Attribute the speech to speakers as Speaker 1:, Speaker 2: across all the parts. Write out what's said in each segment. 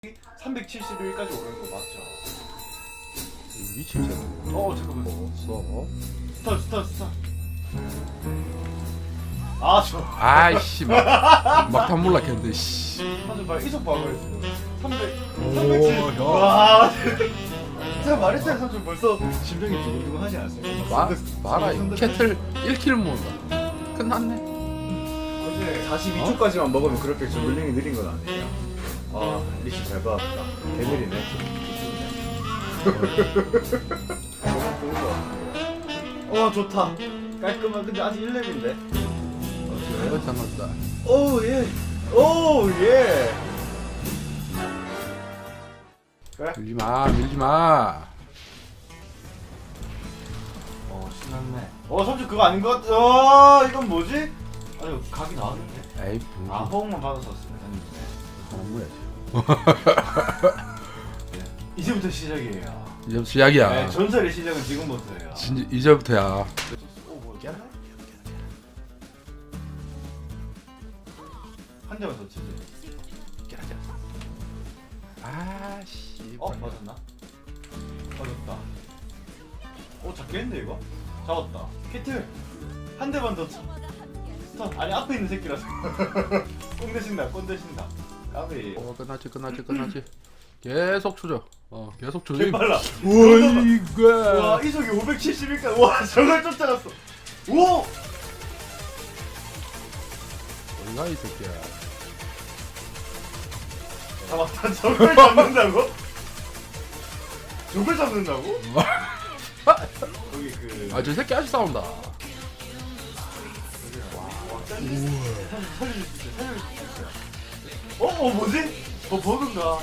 Speaker 1: 371까지 오르는 거 맞죠?
Speaker 2: 미친 새끼.
Speaker 1: 잠깐만.
Speaker 2: 써.
Speaker 1: 스타. 아, 저.
Speaker 2: 아이씨 막탄 몰락했는데 씨.
Speaker 1: 한점 말 이속 방어했어요. 370.
Speaker 2: 형.
Speaker 1: 와. 제가 말했어요, 삼촌 벌써 심장이 두근두근 하지 않았어요?
Speaker 2: 봐라 이 캐틀 1킬 모은다. 끝났네.
Speaker 1: 어제
Speaker 3: 42초까지만 먹으면 그렇게 저글링이 느린 건 아니에요. 아, 리시 잘 받았다. 개느리네.
Speaker 1: 좋다. 깔끔한. 근데 아직 1렙인데.
Speaker 2: 상관없다.
Speaker 1: 오 예. 오 예. 그래?
Speaker 2: 밀지마.
Speaker 1: 신났네. 삼촌 그거 아닌 것 같아. 이건 뭐지? 아니 각이 나왔는데.
Speaker 2: 에이
Speaker 1: 호응만 받아서 쓰면 되는데.
Speaker 2: 뭐야.
Speaker 1: 이제부터 시작이에요.
Speaker 2: 이제부터 시작이야.
Speaker 1: 네, 전설의 시작은 지금부터예요.
Speaker 2: 진짜 이제부터야.
Speaker 1: 뭐야? 한 대만 더 치지.
Speaker 2: 아씨.
Speaker 1: 맞았나? 맞았다. 잡겠는데 이거? 잡았다. 캐틀 한 대만 더 쳐. 스턴. 아니 앞에 있는 새끼라서. 꼰 대신다. 까비.
Speaker 2: 끝나지. 계속 추져. 계속 추져.
Speaker 1: 개빨라.
Speaker 2: 우와 이거.
Speaker 1: 와 이속이 571까지. 와 저걸 쫓아갔어. 오!
Speaker 2: 어디가 이 새끼야.
Speaker 1: 잡았다. 저걸 잡는다고? 저걸 잡는다고? 거기 그.
Speaker 2: 저 새끼 아직 싸운다.
Speaker 1: 살려줄 수 있어요. 뭐지? 버그인가?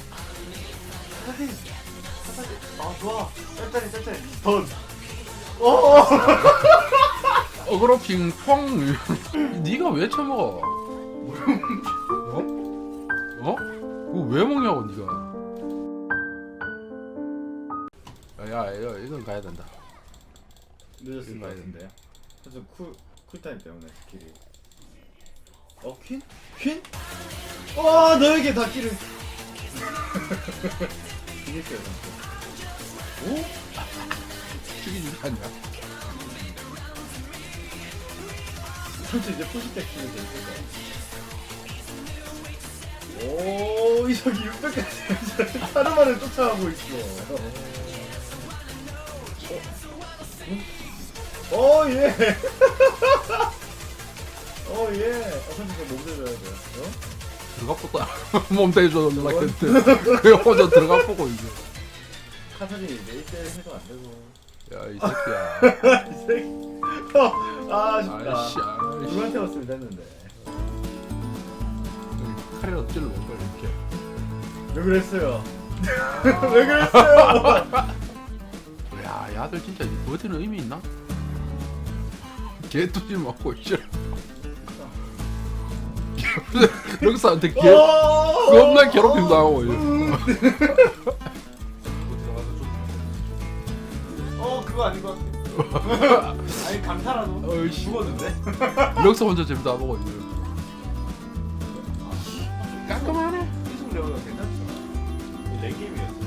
Speaker 1: 좋아. 짤짤이. 던.
Speaker 2: 어그로 핑퐁. 네가 왜 처먹어? 그거 왜 먹냐고 네가. 야 이건 가야 된다.
Speaker 3: 늦었을 것 같은데요. 사실 쿨타임 때문에 스킬이.
Speaker 1: 퀸? 퀸? 너에게 닿기를.
Speaker 3: 이겼어요, 삼촌.
Speaker 2: 죽이지 않냐?
Speaker 3: 삼촌 이제 푸시백 키면 될 거야.
Speaker 1: 이석이 600까지 하루만에 쫓아가고 있어. 예.
Speaker 3: 삼촌 그거 몸 대줘야 돼.
Speaker 2: 들어가 보다. 몸 대줘 놀랐겠대. 그 혼자 들어가 보고 이제.
Speaker 3: 카사딘 이제 1대1 해도 안 되고.
Speaker 2: 야 이 새끼야.
Speaker 1: 이 새끼. 아쉽다.
Speaker 2: 아이씨.
Speaker 3: 누구한테 왔으면 됐는데.
Speaker 2: 칼이라도 찔러 올 걸 이렇게.
Speaker 1: 왜 그랬어요? 왜 그랬어요?
Speaker 2: 야, 이 아들 진짜 버티는 의미 있나? 개뚜지 맞고 있어. 럭스한테 겁나 괴롭힘 당하고 있어.
Speaker 1: 그거 아닌 것 같아. 아니 강타라도
Speaker 2: 어이씨.
Speaker 1: 죽었는데?
Speaker 2: 럭스 혼자 재밌다 보고 있어. 깔끔하네.
Speaker 1: 이속 레오가 괜찮죠? 이 랭게임이었어.